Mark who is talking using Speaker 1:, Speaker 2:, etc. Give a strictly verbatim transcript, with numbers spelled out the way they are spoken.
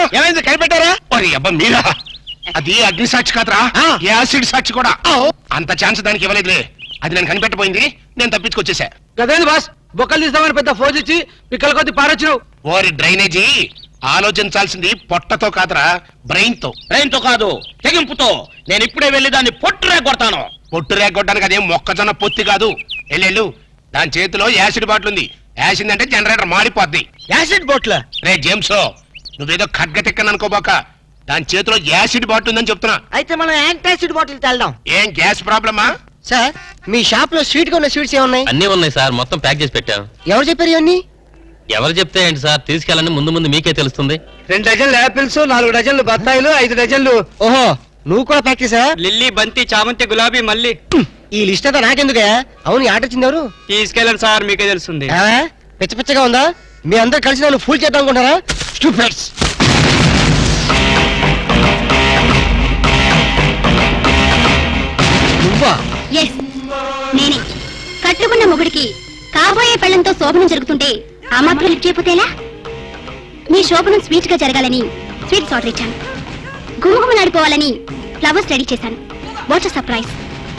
Speaker 1: ఏమైంది కనిపెట్టారా?
Speaker 2: మరి అబ్బా మీరా? అది అగ్ని సాక్షి కాదురా, యాసిడ్ సాక్షి కూడా. అంత ఛాన్స్ దానికి ఇవ్వలేదులే. అది నేను కనిపెట్టబోయింది, నేను తప్పించుకొచ్చేసా.
Speaker 1: గదేంది బాస్, బొక్కలు తీస్తామని పెద్ద ఫోజ్ ఇచ్చి పిక్కల కొద్ది పారొచ్చినావు.
Speaker 2: ఓరి డ్రైనేజీ, ఆలోచించాల్సింది పొట్టతో కాదురా, బ్రెయిన్ తో.
Speaker 3: బ్రెయిన్ తో కాదు, తెగింపుతో. నేను ఇప్పుడే వెళ్లి దాన్ని పొట్టు రేగొడతాను.
Speaker 2: పొట్టు రేగొట్టడానికి అదేం మొక్కజొన్న పొత్తి కాదు. ఎల్లెళ్ళు, దాని చేతిలో యాసిడ్ బాటిల్ ఉంది. యాసిడ్ అంటే జనరేటర్ మాడిపోద్ది.
Speaker 1: యాసిడ్ బోట్ల
Speaker 2: రే జేమ్స్, నువ్వేదో ఖడ్గ తిక్కని అనుకోబాక. దాని చేతిలో యాసిడ్ బాటిల్ ఉందని చెప్తున్నా.
Speaker 4: అయితే మనం యాంటాసిడ్ బాటిల్ తెల్దాం.
Speaker 2: ఏం గ్యాస్ ప్రాబ్లమా?
Speaker 4: సార్, మీ షాప్ లో స్వీట్ గా ఉన్న స్వీట్స్ ఏమున్నాయి?
Speaker 5: అన్నీ ఉన్నాయి సార్, మొత్తం ప్యాక్ చేసి పెట్టాం.
Speaker 4: ఎవరు చెప్పారు ఇవన్నీ?
Speaker 5: ఎవరు చెప్తే ఏంటి సార్, తీసుకెళ్ళండి, ముందు ముందు మీకే తెలుస్తుంది.
Speaker 1: రెండు డజన్లు యాపిల్స్, నాలుగు డజన్లు బత్తాయిలు, ఐదు డజన్లు.
Speaker 4: ఓహో, నువ్వు కూడా ప్రాక్టీసా?
Speaker 1: లిల్లీ, బంతి, చామంతి, గులాబీ, మల్లి.
Speaker 4: ఈ లిస్ట్ అంతా నాకెందుకే? అవును, ఈ ఆట వచ్చింది ఎవరు?
Speaker 1: తీసుకెళ్ళండి సార్, మీకే తెలుస్తుంది.
Speaker 4: పిచ్చ పిచ్చగా ఉందా? మీ అందరు కలిసి నన్ను ఫుల్ చేద్దాం అనుకుంటారా? స్టూపిడ్స్. నువ్వా?
Speaker 6: ఎస్, నేనే. కట్టుకున్న మొగుడికి కాబోయే పెళ్లంతో శోభనం జరుగుతుంటే ఆ మాత్రం లిఫ్ట్ చేయకపోతేలా? మీ శోభనం స్వీట్ గా జరగాలని స్వీట్స్ ఆర్డర్ ఇచ్చాను. గుమగుమలాడిపోవాలని ఫ్లవర్స్ రెడీ చేశాను. What's surprise.